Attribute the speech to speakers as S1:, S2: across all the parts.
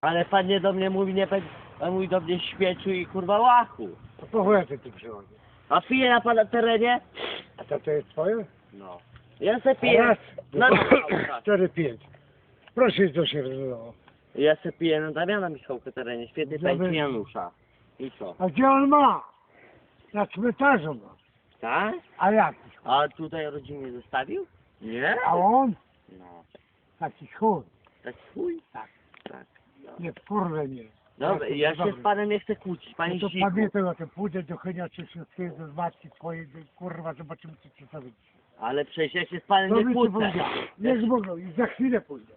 S1: Ale pan nie do mnie mówi, nie pan mówi do mnie śmieciu i kurwa łachu.
S2: To po chuja ty tu przychodzi?
S1: A pije na pana terenie?
S2: A to jest twoje?
S1: No. Ja se piję.
S2: Raz,
S1: No,
S2: dwa,
S1: no,
S2: 4, 5. Proszę, co się rozwiązało.
S1: ja se piję na Damiana Michałka terenie, świetnie tańczy Janusza. I co?
S2: A gdzie on ma? Na cmentarzu ma.
S1: Tak?
S2: A jak?
S1: A tutaj rodzinnie zostawił? Nie?
S2: A on?
S1: No.
S2: Taki chuj.
S1: Tak chuj?
S2: Tak.
S1: Tak. No.
S2: Nie, kurwa nie.
S1: Dobra, ja się z panem nie chcę kłócić, panie
S2: No to
S1: Zdziku.
S2: pamiętaj o tym, pójdę do Chynia Cieszyńskiego, z matki twojej, kurwa, zobaczymy co ci zrobić.
S1: Ale przecież ja się z panem
S2: To
S1: nie
S2: mi ci
S1: kłócę.
S2: powiedziałem. Niech mogą i za chwilę pójdę.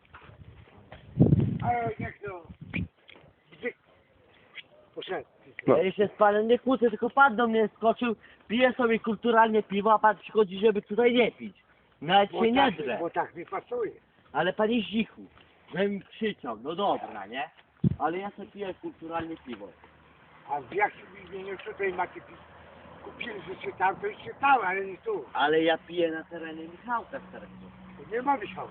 S2: Ale niech to... Bzyk. Poszedł.
S1: Ja się z panem nie kłócę, tylko pan do mnie skoczył, pije sobie kulturalnie piwo, a pan przychodzi, żeby tutaj nie pić. Nawet się nie drę.
S2: Bo tak mi pasuje.
S1: Ale panie Zdzichu, żebym krzyczał, no dobra, nie? Ale ja sobie piję kulturalnie piwo.
S2: A w jakim imieniu tutaj macie kupili, że czytał, to i czytał, ale nie tu.
S1: Ale ja piję na terenie Michałka Starego.
S2: Tu nie ma Michała.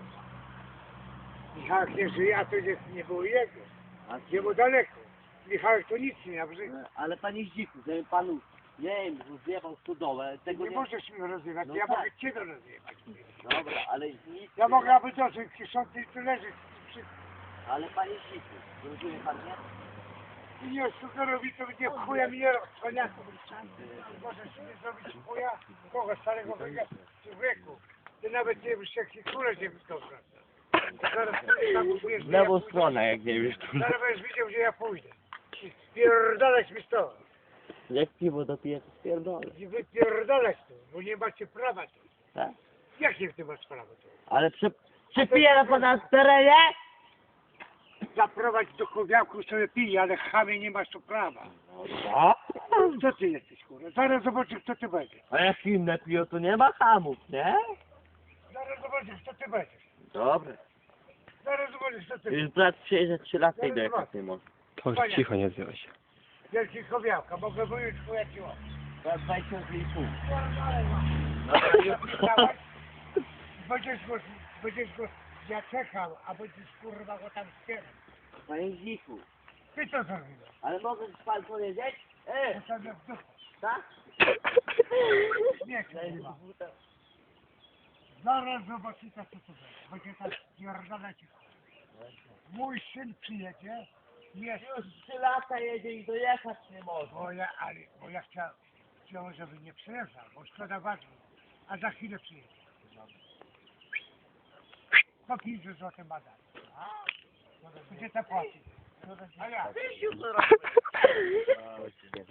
S2: Michałek nie żyje, a to nie było jego.
S1: A
S2: Jemu daleko. Michałek to nic nie miał w życiu.
S1: Ale panie Zdzichu, żeby panu, nie wiem, rozjebał stodołę, tego
S2: Nie
S1: nie...
S2: możesz mnie rozrywać,
S1: No
S2: ja
S1: tak.
S2: mogę ciebie rozrywać.
S1: Dobra, ale nic...
S2: Ja mogę aby dosyć kiszący i tu leżeć.
S1: Ale panie Zdzichu, rozumie pan, nie?
S2: Ty nie sugerowi, to będzie chuja mi nie rozchwania. Możesz mnie zrobić chuja? Kogo starego wieku? Ty nawet nie wiesz, jak się kurę się wyskoczy. Zaraz tam uwierz,
S1: W lewą stronę, jak nie wiesz.
S2: Zaraz będziesz widział, gdzie ja pójdę. Spierdalać mi stąd.
S1: Jak piwo dopiję, to spierdolę.
S2: I wypierdalać tu, bo nie macie prawa tu.
S1: Tak?
S2: Jak nie ty masz prawa tu?
S1: Ale przepiję na pana terenie?
S2: Zaprowadź do chowiaku sobie pije, ale chamie nie masz tu prawa.
S1: A?
S2: Co ty jesteś, kurwa? Zaraz zobaczysz, kto ty będziesz.
S1: A jak inne piją, to nie ma hamów, nie?
S2: Zaraz zobaczysz, kto ty będziesz.
S1: Dobra.
S2: Zaraz zobaczysz, kto ty będziesz.
S1: Już brat przyjeżdża 3 lata i dojechać nie może.
S3: To już cicho, nie odzywaj się.
S2: Wielki chowiałka, mogę wyjąć chuja ci łapać.
S1: Za 20,5.
S2: Będziesz go, ja czekam, a będziesz kurwa go tam wspierał.
S1: Panie Zdzichu,
S2: Ty co zrobiłeś?
S1: ale mogę pan powiedzieć?
S2: To sobie w dupę.
S1: Tak?
S2: Nie, kurwa. Zaraz zobaczycie, co to będzie. Będzie tak pierdolę ci. Mój syn przyjedzie, jest,
S1: Już 3 lata jedzie i dojechać nie może.
S2: bo ja chciałem, żeby nie przyjeżdżał, bo szkoda ważna. A za chwilę przyjedzie. Po 500 zł ma dać. Gdzie to płaci? A ja.